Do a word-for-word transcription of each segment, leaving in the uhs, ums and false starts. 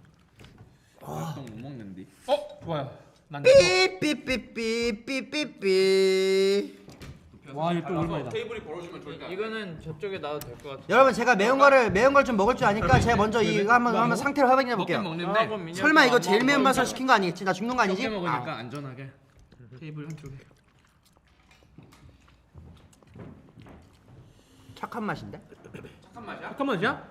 보통 못 먹는데. 어 좋아요. 난 삐삐삐삐삐삐삐. 와 이거 또 오랜만이다. 테이블이 벌어지면 절대 안 돼. 이거는 저쪽에 놔도 될 것 같아. 여러분 제가 매운 거를 매운 걸 좀 먹을 줄 아니까 제가 먼저 이거 한번 한번 상태를 확인해 볼게요. 먹긴 먹는데. 네. 설마 이거 제일 매운 맛을 시킨 거 아니겠지? 나 죽는 거 아니지? 적게 먹으니까 안전하게. 테이블 한쪽에. 착한 맛인데? 착한 맛이야? 잠깐만요.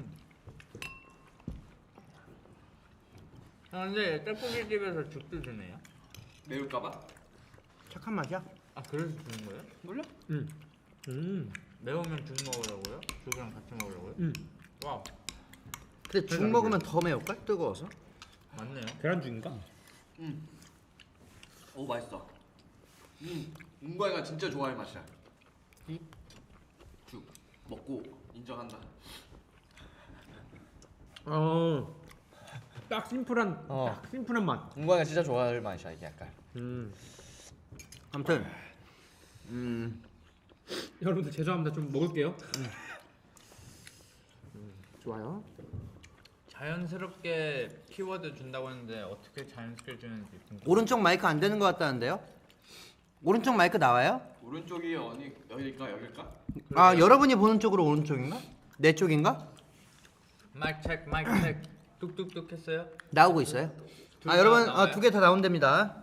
아 근데 떡볶이 집에서 죽도 주네요. 매울까봐? 착한 맛이야? 아 그래서 주는 거예요? 몰라? 음. 음. 매우면 죽 먹으라고요? 죽이랑 같이 먹으라고요? 음. 와우 근데 죽 먹으면 더 매울걸? 뜨거워서? 맞네요. 계란죽인가? 음. 오 맛있어. 음. 은광이가 진짜 좋아할 맛이야. 죽 먹고 인정한다. 어. 딱 심플한 어. 딱 심플한 맛. 은광이가 진짜 좋아할 맛이야 이게 약간. 음. 아무튼 음 여러분들 죄송합니다. 좀 먹을게요. 음. 좋아요. 자연스럽게 키워드 준다고 했는데 어떻게 자연스럽게 주는지 궁금해요. 오른쪽 마이크 안 되는 것 같다는데요? 오른쪽 마이크 나와요? 오른쪽이 어디 여기일까 여기일까? 아 여러분이 보는 쪽으로 오른쪽인가? 내 쪽인가? 마이크 체크 마이크 체크 뚝뚝뚝 했어요? 나오고 있어요? 둘 아 다 여러분 나와요? 두 개 다 나온답니다.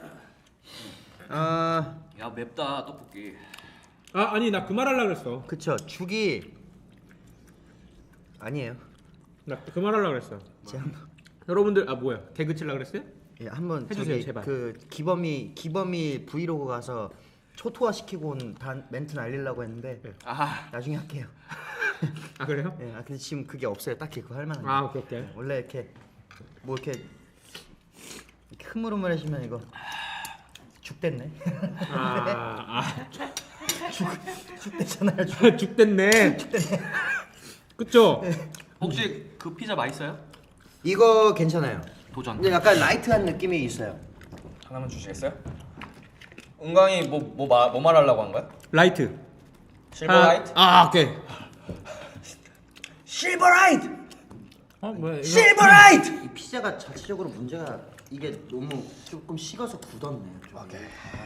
아 야 맵다 떡볶이. 아 아니 나 그 말 하려고 그랬어. 그쵸 죽이 아니에요. 나 그 말 하려고 그랬어. 제가 한번 여러분들 아 뭐야 개그 칠라 그랬어요? 예, 한번 해주세요, 저기 제발. 그 기범이 기범이 브이로그 가서 초토화 시키고 온 단, 멘트 날리려고 했는데 네. 아 나중에 할게요. 아 그래요? 예, 아 근데 지금 그게 없어요. 딱히 그거 할 만한 게. 아 오케이 오케이. 원래 이렇게 뭐 이렇게, 이렇게 흐물흐물해지면 이거 죽됐네. 아, 아 죽됐잖아요. 죽. 죽됐네. 그쵸? 혹시 그 피자 맛있어요? 이거 괜찮아요. 도전. 근데 약간 라이트한 느낌이 있어요. 하나만 주시겠어요? 은광이 뭐뭐 뭐, 뭐 말하려고 한 거야? 라이트. 실버라이트? 아, 아 오케이. 실버라이트. 어 뭐야 이거? 실버라이트. 이 피자가 자체적으로 문제가 이게 너무 조금 식어서 굳었네요. 오케이.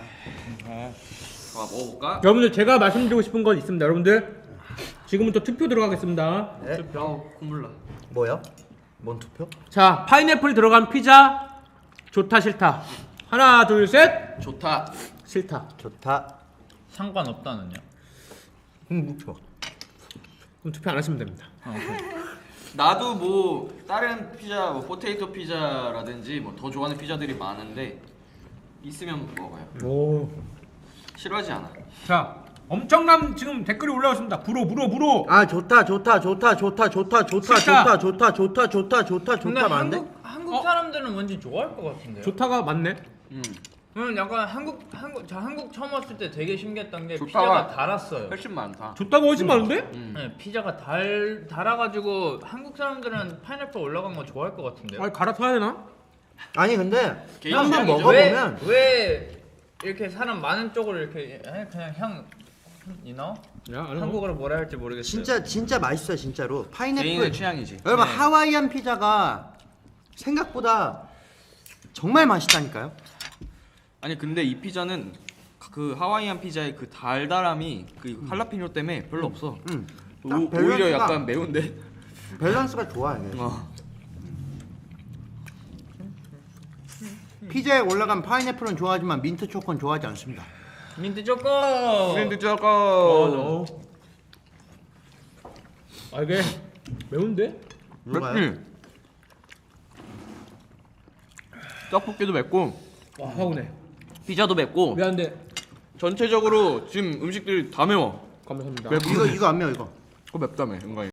아 먹어볼까? 여러분들 제가 말씀드리고 싶은 건 있습니다. 여러분들 지금부터 투표 들어가겠습니다. 네. 야 콧물 나. 뭐요? 뭔 투표? 자 파인애플이 들어간 피자 좋다 싫다. 하나 둘 셋. 좋다. 싫다. 좋다. 상관없다는요? 음, 묵혀. 그럼 투표 안 하시면 됩니다. 나도 뭐 다른 피자, 뭐 포테이토 피자라든지 뭐 더 좋아하는 피자들이 많은데 있으면 먹어요. 오. 싫어하지 않아. 자 엄청난 지금 댓글이 올라왔습니다. 불어 불어 불어. 아 좋다 좋다 좋다 좋다 좋다 좋다 싫다. 좋다 좋다 좋다 좋다 좋다 근데 좋다 많은데? 한국 한국 어? 사람들은 왠지 좋아할 것 같은데요? 좋다가 맞네. 음. 음 약간 한국 한국 저 한국 처음 왔을 때 되게 신기했던 게 좋다가- 피자가 달았어요. 훨씬 많다. 좋다가 훨씬 많은데? 음. 네, 피자가 달 달아가지고 한국 사람들은 파인애플 올라간 거 좋아할 것 같은데요? 아 갈아타야 되나? 아니 근데 개인 한번 취향이죠. 먹어보면 왜, 왜 이렇게 사람 많은 쪽으로 이렇게 해? 그냥 향 이너? 야, 아니, 한국어로 뭐라 할지 모르겠어요. 진짜 진짜 맛있어요 진짜로. 파인애플. 개인의 취향이지. 여러분 네. 하와이안 피자가 생각보다 정말 맛있다니까요. 아니 근데 이 피자는 그 하와이안 피자의 그 달달함이 그 할라피뇨 때문에 별로 없어. 음. 오, 딱 오히려 밸런스가- 약간 매운데. 밸런스가 좋아 이게. 어. 피자에 올라간 파인애플은 좋아하지만 민트 초코는 좋아하지 않습니다. 민트 초코. 민트 어, 초코. 너. 아 이게 매운데? 누가요? 맵지. 떡볶이도 맵고 와 하고네. 피자도 맵고 미안한데 전체적으로 지금 음식들이 다 매워. 감사합니다. 맵- 이거 이거 안 매워 이거. 그거 맵다며 은광이.